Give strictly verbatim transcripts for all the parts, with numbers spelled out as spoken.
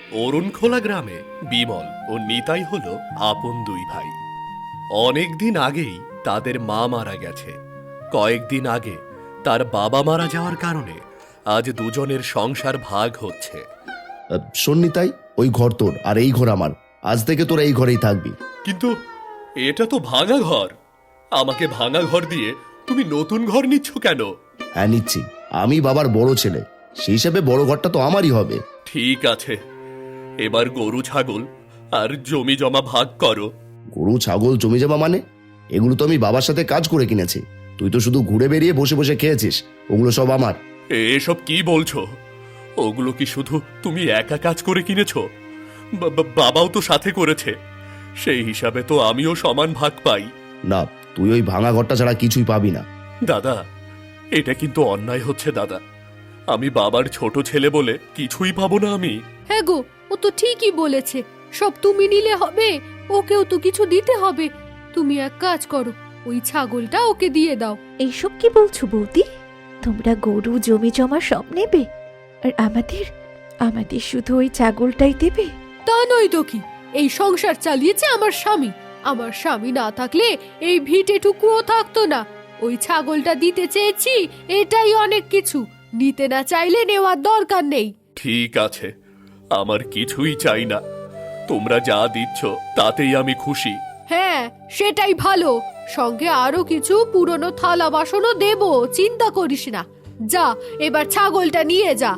অরুণখোলা গ্রামে বিমল ও নিতাই হলো আপন দুই ভাই। অনেক দিন আগেই তাদের মা মারা গেছে। কয়েকদিন আগে তার বাবা মারা যাওয়ার কারণে আজ দুজনের সংসার ভাগ হচ্ছে। আহ, শোন নিতাই, ওই ঘর তোর আর এই ঘর আমার। আজ থেকে তোরা এই ঘরেই থাকবি। কিন্তু এটা তো ভাঙা ঘর। আমাকে ভাঙা ঘর দিয়ে তুমি নতুন ঘর নিচ্ছ কেন? হ্যাঁ নিচ্ছি, আমি বাবার বড় ছেলে, সেই হিসেবে বড় ঘরটা তো আমারই হবে। ঠিক আছে, এবার গরু ছাগল আর জমি জমা ভাগ করো। গরু ছাগল জমি জমা মানে? এগুলো তো আমি বাবার সাথে কাজ করে কিনেছি। তুই তো শুধু ঘুরে বেরিয়ে বসে বসে খেয়েছিস, ওগুলো সব আমার। এসব কি বলছো? ওগুলো কি শুধু তুমি একা কাজ করে কিনেছো? বা- বা- বাবাও তো সাথে করেছে, সেই হিসাবে তো আমিও সমান ভাগ পাই। না, তুই ওই ভাঙা ঘরটা ছাড়া কিছুই পাবি না। দাদা, এটা কিন্তু অন্যায় হচ্ছে দাদা। আমি বাবার ছোট ছেলে বলে কিছুই পাবো না আমি? হ্যাঁ গো, ও তো ঠিকই বলেছে। সব তুমি নিলে হবে? ওকেও তো কিছু দিতে হবে। তুমি এক কাজ করো, ওই ছাগলটা ওকে দিয়ে দাও। এইসব কি বলছো বৌদি? তোমরা গরু জমি জমা সব নেবে, আর আমাদের আমাদের শুধু ওই ছাগলটাই দেবে? তা নয় তো কি, এই সংসার চালিয়েছে আমার স্বামী। আমার স্বামী না থাকলে এই ভিটেটুকুও থাকতো না। ওই ছাগলটা দিতে চেয়েছি, এটাই অনেক কিছু। নিতে না চাইলে নেওয়ার দরকার নেই। ঠিক আছে, আমার কিছুই চাই না। তোমরা যা দিচ্ছ তাতেই আমি খুশি। হ্যাঁ, সেটাই ভালো। সঙ্গে আরো কিছু পুরনো থালা বাসনও দেব, চিন্তা করিস না। যা, এবার ছাগলটা নিয়ে যা।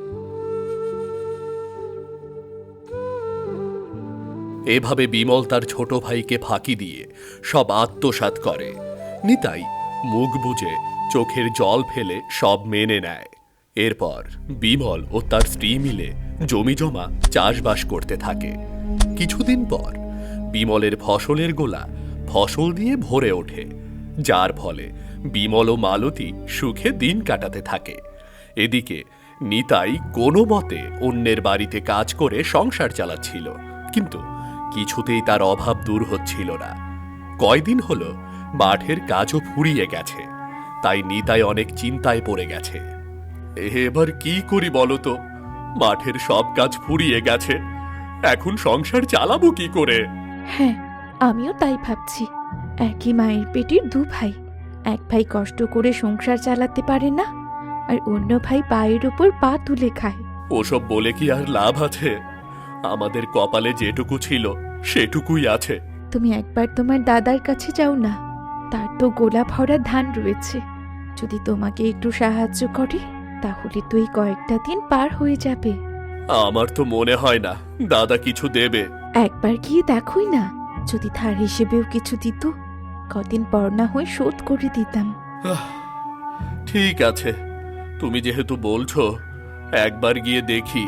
এভাবে বিমল তার ছোট ভাইকে ফাঁকি দিয়ে সব আত্মসাৎ করে। নিতাই মুখ বুজে চোখের জল ফেলে সব মেনে নেয়। এরপর বিমল ও তার স্ত্রী মিলে জমি জমা চাষবাস করতে থাকে। কিছুদিন পর বিমলের ফসলের গোলা ফসল দিয়ে ভরে ওঠে, যার ফলে বিমল ও মালতী সুখে দিন কাটাতে থাকে। এদিকে নিতাই কোনো মতে অন্যের বাড়িতে কাজ করে সংসার চালাচ্ছিল, কিন্তু কিছুতেই তার অভাব দূর হচ্ছিল না। কয়দিন হলো মাঠের কাজও ফুরিয়ে গেছে, তাই নিতাই অনেক চিন্তায় পড়ে গেছে। এবার কি করি বলো তো? মাঠের সব কাজ ফুরিয়ে গেছে, এখন সংসার চালাবো কি করে? হ্যাঁ, আমিও তাই ভাবছি। একই মায়ের পেটের দু ভাই, এক ভাই কষ্ট করে সংসার চালাতে পারে না, আর অন্য ভাই পায়ের ওপর পা তুলে খায়। ওসব বলে কি আর লাভ আছে? আমাদের কপালে যেটুকু ছিল সেটুকুই আছে। তুমি একবার তোমার দাদার কাছে যাও না, তার তো গোলা ভরা ধান রয়েছে। যদি তোমাকে একটু সাহায্য করে, তাহলে তো এই কয়েকটা দিন পার হয়ে যাবে। আমার তো মনে হয় না দাদা কিছু দেবে। একবার গিয়ে দেখোই না, যদি ধার হিসেবেও কিছু দিত, কদিন পর না হয়ে শোধ করে দিতাম। আহ, ঠিক আছে, তুমি যেহেতু বলছো, একবার গিয়ে দেখি।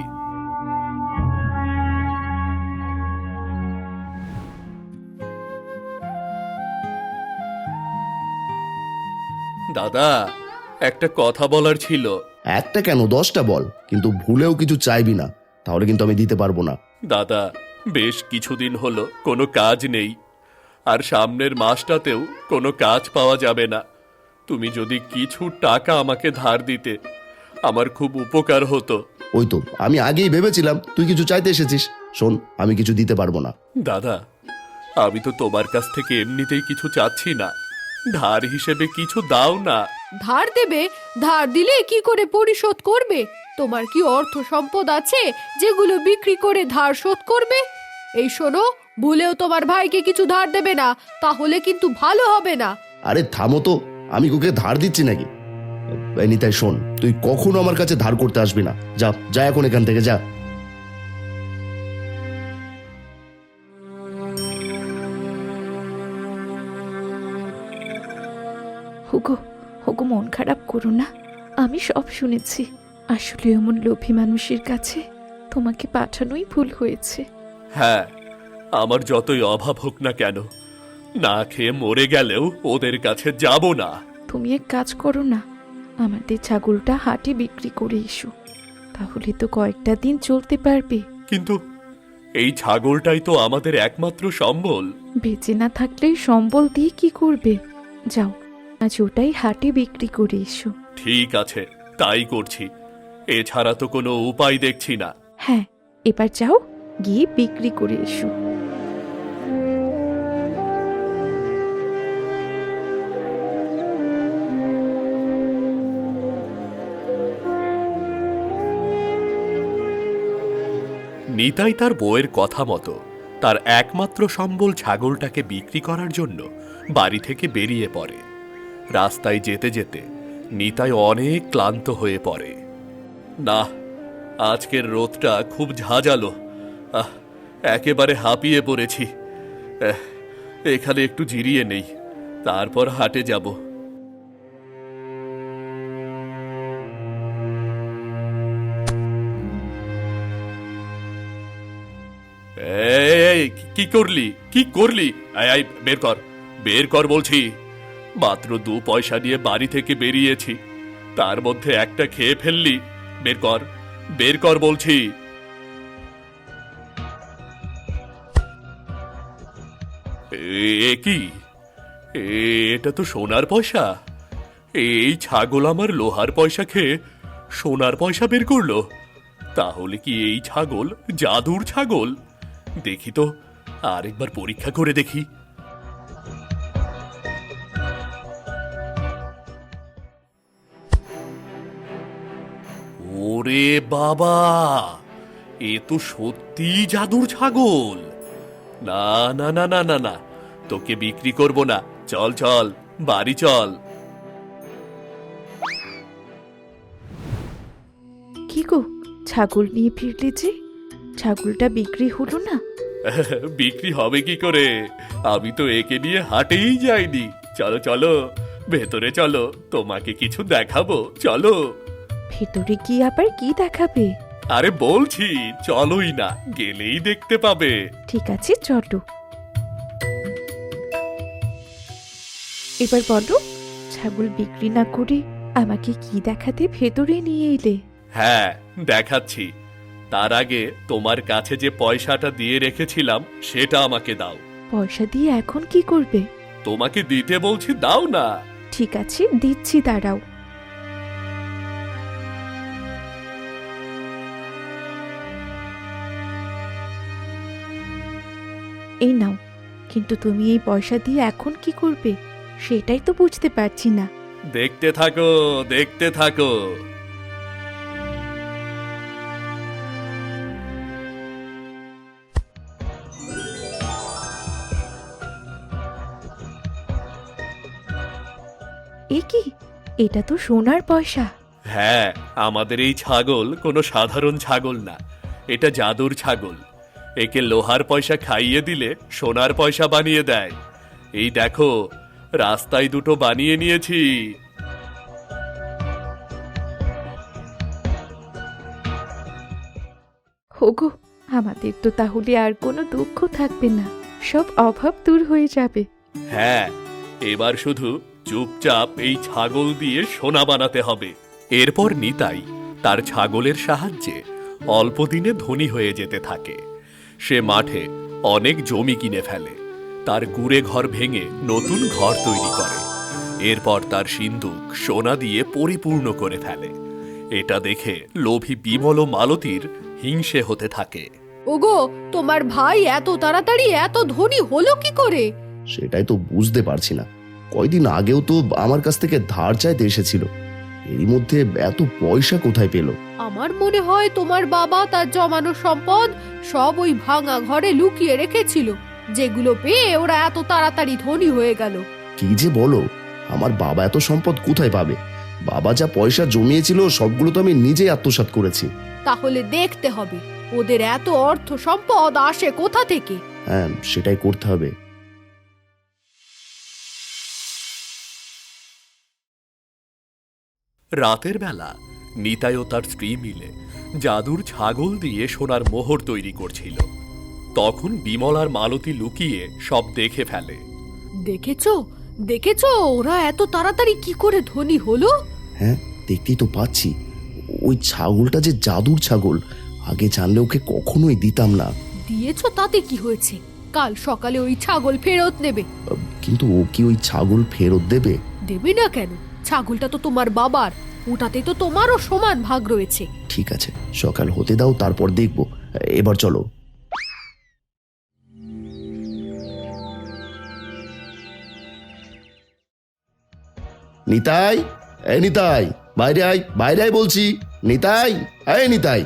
দাদা, একটা কথা বলার ছিল। একটা কেন, দশটা বল, কিন্তু ভুলেও কিছু চাইবি না, তাহলে কিন্তু আমি দিতে পারবো না। দাদা, বেশ কিছুদিন হলো কোনো কাজ নেই, আর সামনের মাসটাতেও কোনো কাজ পাওয়া যাবে না। তুমি যদি কিছু টাকা আমাকে ধার দিতে, আমার খুব উপকার হতো। ওই তো আমি আগেই ভেবেছিলাম তুই কিছু চাইতে এসেছিস। শোন, আমি কিছু দিতে পারবো না। দাদা, আমি তো তোমার কাছ থেকে এমনিতেই কিছু চাচ্ছি না, ধার হিসেবে কিছু দাও না। ধার দেবে? ধার দিলে কি করে পরিশোধ করবে? তোমার কি অর্থ সম্পদ আছে যেগুলো বিক্রি করে ধার শোধ করবে? এই শোনো, ভুলেও তোমার ভাইকে কিছু ধার দেবে না, তাহলে কিন্তু ভালো হবে না। আরে থামো তো, আমি ওকে ধার দিচ্ছি নাকি? এই নিতাই শোন, তুই কখনো আমার কাছে ধার করতে আসবি না। যা যা এখন এখান থেকে যা। হুগো হুগো মন খারাপ করো না, আমি সব শুনেছি। আসলে এমন লোভী মানুষের কাছে তোমাকে পাঠানোই ভুল হয়েছে। হ্যাঁ, আমার যতই অভাব হোক না কেন, না খেয়ে মরে গেলেও ওদের কাছে যাব না। তুমি এক কাজ করো না, আমাদের ছাগলটা হাটে বিক্রি করে এসো, তাহলে তো কয়েকটা দিন চলতে পারবে। কিন্তু এই ছাগলটাই তো আমাদের একমাত্র সম্বল। বেঁচে না থাকলে সম্বল দিয়ে কি করবে? যাও, আজ ওটাই হাটে বিক্রি করে এসো। ঠিক আছে, তাই করছি, এছাড়া তো কোনো উপায় দেখছি না। হ্যাঁ, এবার যাও, গিয়ে বিক্রি করে এসো। নিতাই তার বউয়ের কথা মতো তার একমাত্র সম্বল ছাগলটাকে বিক্রি করার জন্য বাড়ি থেকে বেরিয়ে পড়ে। রাস্তায় যেতে যেতে নিতাই অনেক ক্লান্ত হয়ে পড়ে। না, আজকের রোদটা খুব ঝাঁঝালো, আহ একেবারে হাঁপিয়ে পড়েছি। এহ, এখানে একটু জিরিয়ে নেই, তারপর হাটে যাব। এই, কি করলি কি করলি? আয় আয়, বের কর বের কর বলছি। মাত্র দু পয়সা নিয়ে বাড়ি থেকে বেরিয়েছি, তার মধ্যে একটা খেয়ে ফেললি। বের কর বের কর বলছি। এ কি? এটা তো সোনার পয়সা। এই ছাগল আমার লোহার পয়সা খেয়ে সোনার পয়সা বের করলো। তাহলে কি এই ছাগল জাদুর ছাগল? দেখি তো, আরেকবার পরীক্ষা করে দেখি। ওরে বাবা, এ তো সত্যি জাদুর ছাগল। না না না না না না, তোকে বিক্রি করব না। চল চল, বাড়ি চল। কি গো, ছাগল নিয়ে ফিরলে যে? ছাগলটা বিক্রি হলো না? বিক্রি হবে কি করে? আমি তো একে নিয়ে হাটেই যাইনি। চলো চলো, ভেতরে চলো, তোমাকে কিছু দেখাবো। চলো। ভেতরে গিয়ে আবার কি দেখাবে? আরে বলছি চলোই না, গেলেই দেখতে পাবে। ঠিক আছে, চলো। এবার বলো, ছাগল বিক্রি না করে আমাকে কি দেখাতে ভেতরে নিয়ে এলে? হ্যাঁ, দেখাচ্ছি। তার আগে তোমার কাছে যে পয়সাটা দিয়ে রেখেছিলাম সেটা আমাকে দাও। পয়সা দিয়ে এখন কি করবে? তোমাকে দিতে বলছি, দাও না। ঠিক আছে, দিচ্ছি, দাঁড়াও। এই নাও। কিন্তু তুমি এই পয়সা দিয়ে এখন কি করবে সেটাই তো বুঝতে পারছি না। দেখতে থাকো দেখতে থাকো। এ কি? এটা তো সোনার পয়সা। হ্যাঁ, আমাদের এই ছাগল কোনো সাধারণ ছাগল না, এটা জাদুর ছাগল। একে লোহার পয়সা খাইয়ে দিলে সোনার পয়সা বানিয়ে দেয়। এই দেখো, রাস্তায় দুটো বানিয়ে নিয়েছি। হোগো, আমাদের তো তাহলে আর কোনো দুঃখ থাকবে না, সব অভাব দূর হয়ে যাবে। হ্যাঁ, এবার শুধু চুপচাপ এই ছাগল দিয়ে সোনা বানাতে হবে। এরপর নিতাই তার ছাগলের সাহায্যে অল্প দিনে ধনী হয়ে যেতে থাকে। সে মাঠে অনেক জমি কিনে ফেলে, তার কুঁড়ে ঘর ভেঙে নতুন ঘর তৈরি করে। এরপর তার সিন্দুক সোনা দিয়ে পরিপূর্ণ করে ফেলে। এটা দেখে লোভী বিমল ও মালতীর হিংসে হতে থাকে। ওগো, তোমার ভাই এত তাড়াতাড়ি এত ধনী হলো কি করে? সেটাই তো বুঝতে পারছি না। কয়দিন আগেও তো আমার কাছ থেকে ধার চাইতে এসেছিল, এরই মধ্যে এত পয়সা কোথায় পেল? আমার মনে হয় তোমার বাবা তার জমানো সম্পদ সব ওই ভাঙা ঘরে লুকিয়ে রেখেছিল, যেগুলো পেয়ে ওরা এত তাড়াতাড়ি ধনী হয়ে গেল। কি যে বলো, আমার বাবা এত সম্পদ কোথায় পাবে? বাবা যা পয়সা জমিয়েছিল সবগুলো তো আমি নিজেই আত্মসাৎ করেছি। তাহলে দেখতে হবে ওদের এত অর্থ সম্পদ আসে কোথা থেকে। হ্যাঁ, সেটাই করতে হবে। রাতের বেলা নিতাই ও তার স্ত্রী মিলে জাদুর ছাগল দিয়ে সোনার মোহর তৈরি করছিল। তখন বিমল আর মালতী লুকিয়ে সব দেখে ফেলে। দেখেছো দেখেছো ওরা এত তাড়াতাড়ি কি করে ধনী হলো? হ্যাঁ, দেখতেই তো পাচ্ছি। ওই ছাগলটা যে জাদুর ছাগল, আগে জানলে ওকে কখনোই দিতাম না। দিয়েছো তাতে কি হয়েছে? কাল সকালে ওই ছাগল ফেরত নেবে। কিন্তু ও কি ওই ছাগল ফেরত দেবে? দেবে না কেন? ছাগলটা তো তোমার বাবার, ওটাতে তো তোমারও সমান ভাগ রয়েছে। ঠিক আছে, সকাল হতে দাও, তারপর দেখব। এবার চলো। নিতাই, এই নিতাই, বাইরে আয়, বাইরে আয় বলছি। নিতাই, এই নিতাই।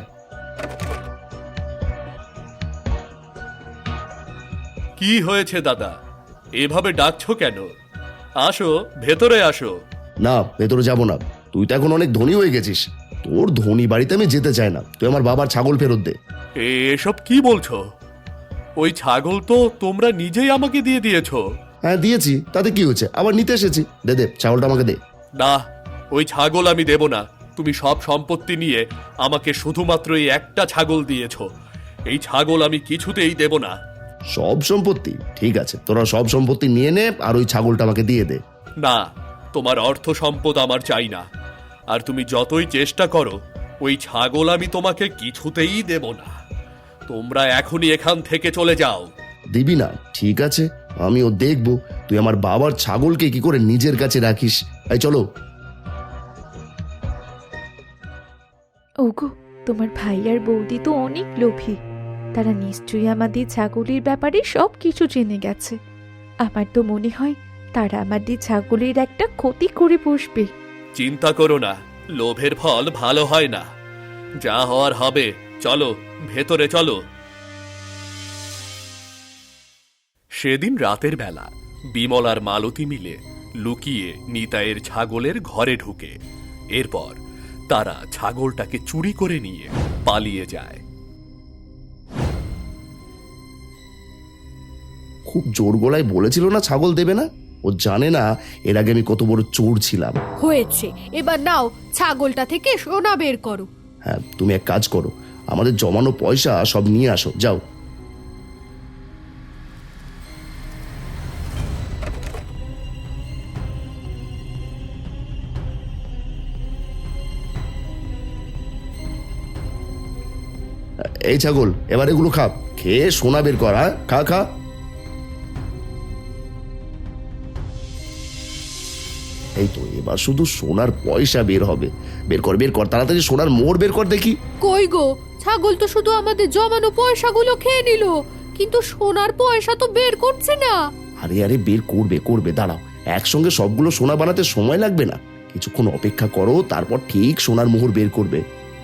কি হয়েছে দাদা, এভাবে ডাকছো কেন? আসো, ভেতরে আসো। না, ভেতরে যাব না। তুই তো এখন অনেক ধনী হয়ে গেছিস। তোর ধনী বাড়িতে আমি যেতে চাই না। তুই আমার বাবার ছাগল ফেরত দে। এসব কি বলছো? ওই ছাগল তো তোমরা নিজেই আমাকে দিয়ে দিয়েছো। হ্যাঁ দিয়েছি, তাতে কি হয়েছে? আবার নিতে এসেছি। দে দে, ছাগলটা আমাকে দে। না, ওই ছাগল আমি দেব না। তুমি সব সম্পত্তি নিয়ে আমাকে শুধুমাত্র এই একটা ছাগল দিয়েছো। এই ছাগল আমি কিছুতেই দেব না। সব সম্পত্তি? ঠিক আছে, তোরা সব সম্পত্তি নিয়ে নে, আর ওই ছাগলটা আমাকে দিয়ে দে। না, তোমার অর্থ সম্পদ আমার চাই না। আর তুমি যতই চেষ্টা করো, ওই ছাগল আমি তোমাকে কিছুতেই দেব না। তোমরা এখনই এখান থেকে চলে যাও। দিবি না? ঠিক আছে, আমিও দেখবো তুই আমার বাবার ছাগলকে কি করে নিজের কাছে রাখিস। এই চলো। ওগো, তোমার ভাই আর বৌদি তো অনেক লোভী। তারা নিশ্চয়ই আমাদের ছাগলের ব্যাপারে সব কিছু জেনে গেছে। আমার তো মনে হয় তারা আমাদের ছাগলের একটা ক্ষতি করে বসবে। চিন্তা করো না, লোভের ফল ভালো হয় না। যা হওয়ার হবে, চলো ভেতরে চলো। সেদিন রাতের বেলা বিমল আর মালতী মিলে লুকিয়ে নিতাইয়ের ছাগলের ঘরে ঢুকে এরপর তারা ছাগলটাকে চুরি করে নিয়ে পালিয়ে যায়। খুব জোর গলায় বলেছিল না ছাগল দেবে না? ও জানে না এর আগে আমি কত বড় চোর ছিলাম। হয়েছে, এবার নাও ছাগলটা থেকে সোনা বের করো। হ্যাঁ, তুমি এক কাজ করো, আমাদের জমানো পয়সা সব নিয়ে আসো, যাও। এই ছাগল, এবার এগুলো খা, খেয়ে সোনা বের কর। হ্যাঁ, খা খা। এই তো, এবার শুধু সোনার পয়সা বের হবে। বের কর, বের কর, তাড়াতাড়ি সোনার মোড় বের কর দেখি। কই গো, ছাগল তো শুধু আমাদের জমানো পয়সাগুলো খেয়ে নিল, কিন্তু সোনার পয়সা তো বের করছে না। আরে আরে, বের করবে করবে, দাঁড়াও। একসঙ্গে সবগুলো সোনা বানাতে সময় লাগবে না। কিছুক্ষণ অপেক্ষা করো, তারপর ঠিক সোনার মোহর বের করবে।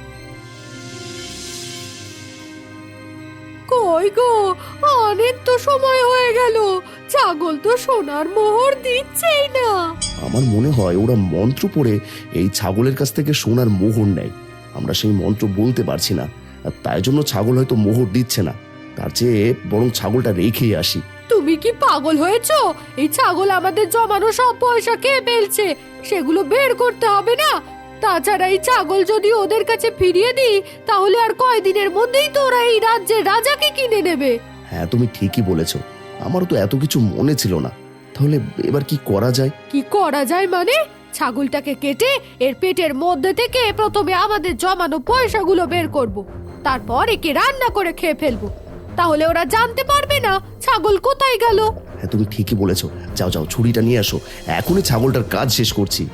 কই গো, অনেক তো সময় হয়ে গেল, ছাগল তো সোনার মোহর দিচ্ছেই না। আমার মনে হয় ওরা মন্ত্র পড়ে এই ছাগলের কাছ থেকে সোনার মোহর নেয়। আমরা সেই মন্ত্র বলতে পারছি না, আর তাই জন্য ছাগল হয়তো মোহর দিচ্ছে না। তার চেয়ে বরং ছাগলটা রেখেই আসি। তুমি কি পাগল হয়েছো? এই ছাগল আমাদের জমানো সব পয়সা খেয়ে ফেলছে, সেগুলো বের করতে হবে না? তাছাড়া এই ছাগল যদি ওদের কাছে ফিরিয়ে দিই, তাহলে আর কয়দিনের মধ্যেই তো ওরা এই রাজ্যের রাজাকে কিনে নেবে। হ্যাঁ, তুমি ঠিকই বলেছো, আমারও তো এত কিছু মনে ছিল না। তাহলে এবার কি করা যায়? কি করা যায় মানে? ছাগলটাকে কেটে এর পেটের মধ্যে থেকে প্রথমে আমাদের জমানো পয়সাগুলো বের করব, তারপর একে রান্না করে খেয়ে ফেলবো। তাহলে ওরা জানতে পারবে না ছাগল কোথায় গেল। হ্যাঁ, তুমি ঠিকই বলেছো। যাও যাও, ছুরিটা নিয়ে আসো, এখনই ছাগলটার কাজ শেষ করছি।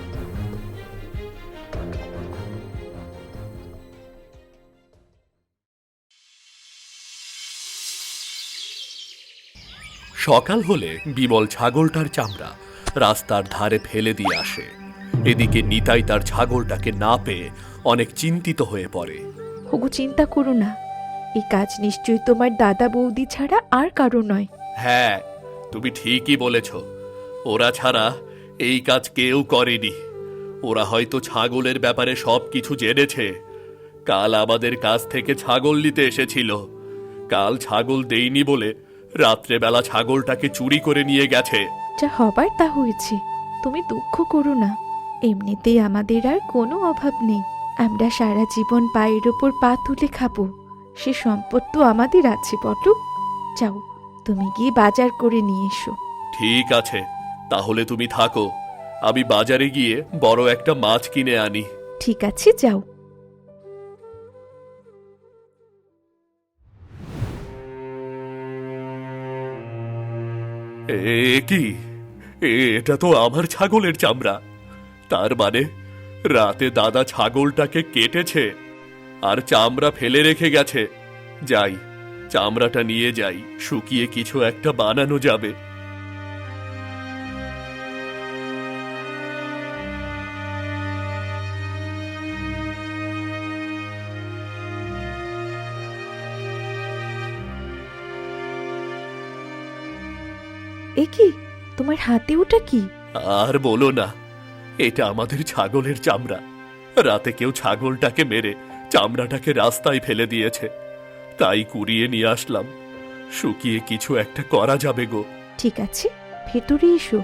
সকাল হলে বিমল ছাগলটার চামড়া রাস্তার ধারে ফেলে দিয়ে আসে। এদিকে নিতাই তার ছাগলটাকে না পেয়ে অনেক চিন্তিত হয়ে পড়ে। ওগো, চিন্তা করো না, এই কাজ নিশ্চয়ই তোমার দাদা বৌদি ছাড়া আর কারো নয়। হ্যাঁ, তুমি ঠিকই বলেছ, ওরা ছাড়া এই কাজ কেউ করেনি। ওরা হয়তো ছাগলের ব্যাপারে সব কিছু জেনেছে। কাল আমাদের কাছ থেকে ছাগল নিতে এসেছিল। কাল ছাগল দেইনি বলে রাত্রেবেলা ছাগলটাকে চুরি করে নিয়ে গেছে। যা হবার তা হয়েছে, তুমি দুঃখ করো না। এমনিতেই আমাদের আর কোনো অভাব নেই। আমরা সারা জীবন পায়ের ওপর পা তুলে খাবো, সে সম্পদ তো আমাদের আছে বলো। যাও, তুমি গিয়ে বাজার করে নিয়ে এসো। ঠিক আছে, তাহলে তুমি থাকো, আমি বাজারে গিয়ে বড় একটা মাছ কিনে আনি। ঠিক আছে, যাও। এ কি, এটা তো আমার ছাগলের চামড়া। তার মানে রাতে দাদা ছাগলটাকে কেটেছে আর চামড়া ফেলে রেখে গেছে। যাই, চামড়াটা নিয়ে যাই, শুকিয়ে কিছু একটা বানানো যাবে। এ কি, তোমার হাতে ওটা কি? আর বলো না, এটা আমাদের ছাগলের চামড়া। রাতে কেউ ছাগলটাকে মেরে চামড়াটাকে রাস্তায় ফেলে দিয়েছে, তাই কুড়িয়ে নিয়ে আসলাম। শুকিয়ে কিছু একটা করা যাবে গো। ঠিক আছে, ভেতরে এসো।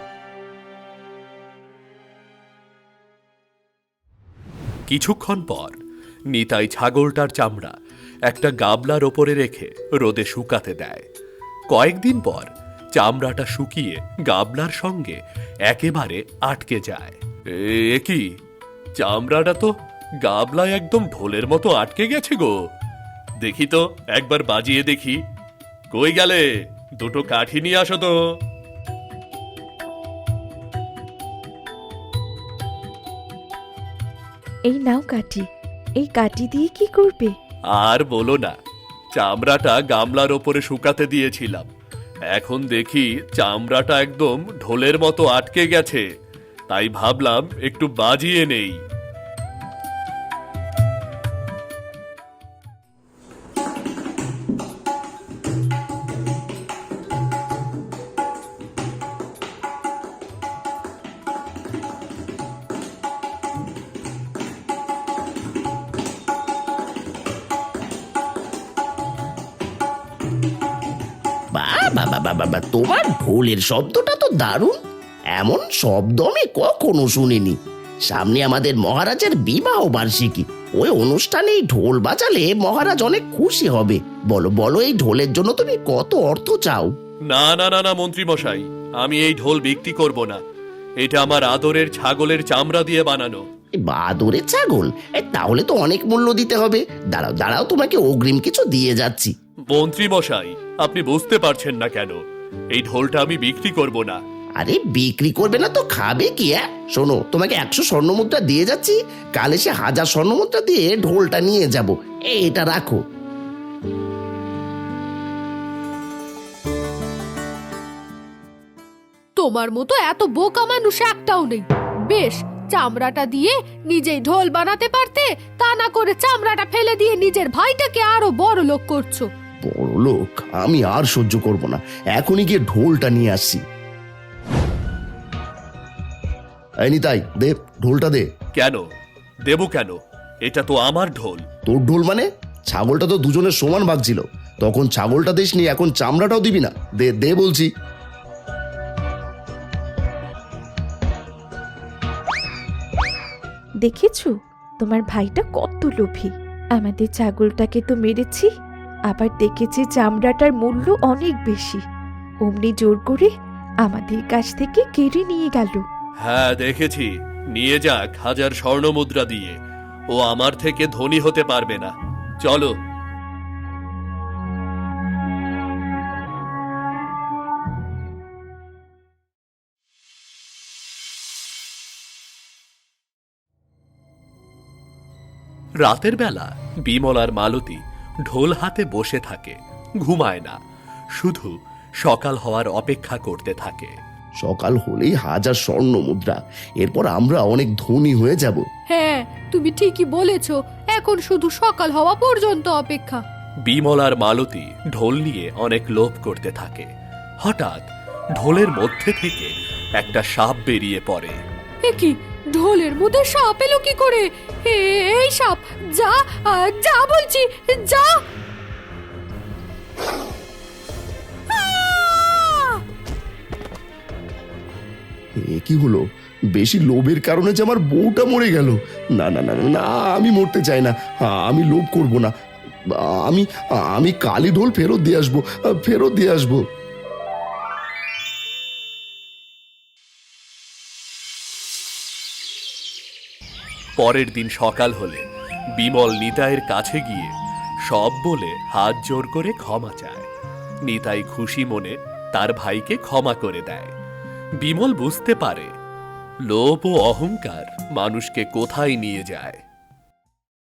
কিছুক্ষণ পর নিতাই ছাগলটার চামড়া একটা গাবলার ওপরে রেখে রোদে শুকাতে দেয়। কয়েকদিন পর চামড়াটা শুকিয়ে গাবলার সঙ্গে একেবারে আটকে যায়। এ কি, চামড়াটা তো গাবলায় একদম ঢোলের মতো আটকে গেছে গো। দেখি তো, একবার বাজিয়ে দেখি। কই গেলে? দুটো কাঠি নিয়ে আসো তো। এই নাও কাঠি। এই কাঠি দিয়ে কি করবে? আর বলো না, চামড়াটা গামলার ওপরে শুকাতে দিয়েছিলাম, এখন দেখি চামড়াটা একদম ঢোলের মতো আটকে গেছে, তাই ভাবলাম একটু বাজিয়ে নেই। বা বাবা বাবা বা, তোমার ঢোলের শব্দটা তো দারুণ। এমন শব্দ আমি কখনো শুনিনি। সামনে আমাদের মহারাজের বিবাহ বার্ষিকী, ওই অনুষ্ঠানে এই ঢোল বাজালে মহারাজ অনেক খুশি হবে। বলো বলো, এই ঢোলের জন্য তুমি কত অর্থ চাও? না না না না মন্ত্রী মশাই, আমি এই ঢোল বিক্রি করব না। এটা আমার আদরের ছাগলের চামড়া দিয়ে বানানো। এ বাদরের ছাগল? এ, তাহলে তো অনেক মূল্য দিতে হবে। দাঁড়াও দাঁড়াও, তোমাকে অগ্রিম কিছু দিয়ে যাচ্ছি। মন্ত্রী মশাই, আপনি বুঝতে পারছেন না কেন? এই ঢোলটা আমি বিক্রি করব না। আরে বিক্রি করবে না তো খাবে কি? হ্যাঁ শোনো, তোমাকে একশো স্বর্ণ মুদ্রা দিয়ে যাচ্ছি, কাল এসে হাজার স্বর্ণ মুদ্রা দিয়ে ঢোলটা নিয়ে যাব। এটা রাখো। তোমার মতো এত বোকা মানুষ একটাও নেই। বেশ, চামড়াটা দিয়ে নিজেই ঢোল বানাতে পারতে, তা না করে চামড়াটা ফেলে দিয়ে নিজের ভাইটাকে আরো বড় লোক করছো। বড় লোক? আমি আর সহ্য করব না, এখনই গিয়ে ঢোলটা নিয়ে আসছি। এই নিতাই, দে ঢোলটা দে। কেন দেব কেন? এটা তো আমার ঢোল। তোর ঢোল মানে? ছাগলটা তো দুজনের সমান ভাগ ছিল, তখন ছাগলটা দিসনি, এখন চামড়াটাও দিবি না? দে দে বলছি। দেখেছো তোমার ভাইটা কত লোভী। আমাদের ছাগলটাকে তো মেরেছি, আবার দেখেছি চামড়াটার মূল্য অনেক বেশি, অমনি জোর করে আমাদের কাছ থেকে কেড়ে নিয়ে গেল। হ্যাঁ দেখেছি, নিয়ে যাক হাজার স্বর্ণ মুদ্রা দিয়ে, ও আমার থেকে ধনী হতে পারবে না। চলো। রাতের বেলা বিমল আর মালতী ঢোল হাতে বসে থাকে, ঘুমায় না, শুধু সকাল হওয়ার অপেক্ষা করতে থাকে। সকাল হলেই হাজার স্বর্ণ মুদ্রা, এরপর আমরা অনেক ধনী হয়ে যাব। হ্যাঁ, তুমি ঠিকই বলেছ, এখন শুধু সকাল হওয়া পর্যন্ত অপেক্ষা। বিমল আর মালতী ঢোল নিয়ে অনেক লোভ করতে থাকে। হঠাৎ ঢোলের মধ্যে থেকে একটা সাপ বেরিয়ে পড়ে। এ কি, ঢোলের মধ্যে সাপ এলো কি করে? এ- এই সাপ, যা আহ, যা বলছি, যা। আহ! এ কি হলো? বেশি লোভের কারণে যে আমার বউটা মরে গেল। না না না না, না, আমি মরতে চাই না, আমি লোভ করব না। আমি আমি কালী ঢোল ফেরত দিয়ে আসবো, ফেরত দিয়ে আসবো। পরের দিন সকাল হলে বিমল নিতাইয়ের কাছে গিয়ে সব বলে হাত জোর করে ক্ষমা চায়। নিতাই খুশি মনে তার ভাইকে ক্ষমা করে দেয়। বিমল বুঝতে পারে লোভ ও অহংকার মানুষকে কোথায় নিয়ে যায়।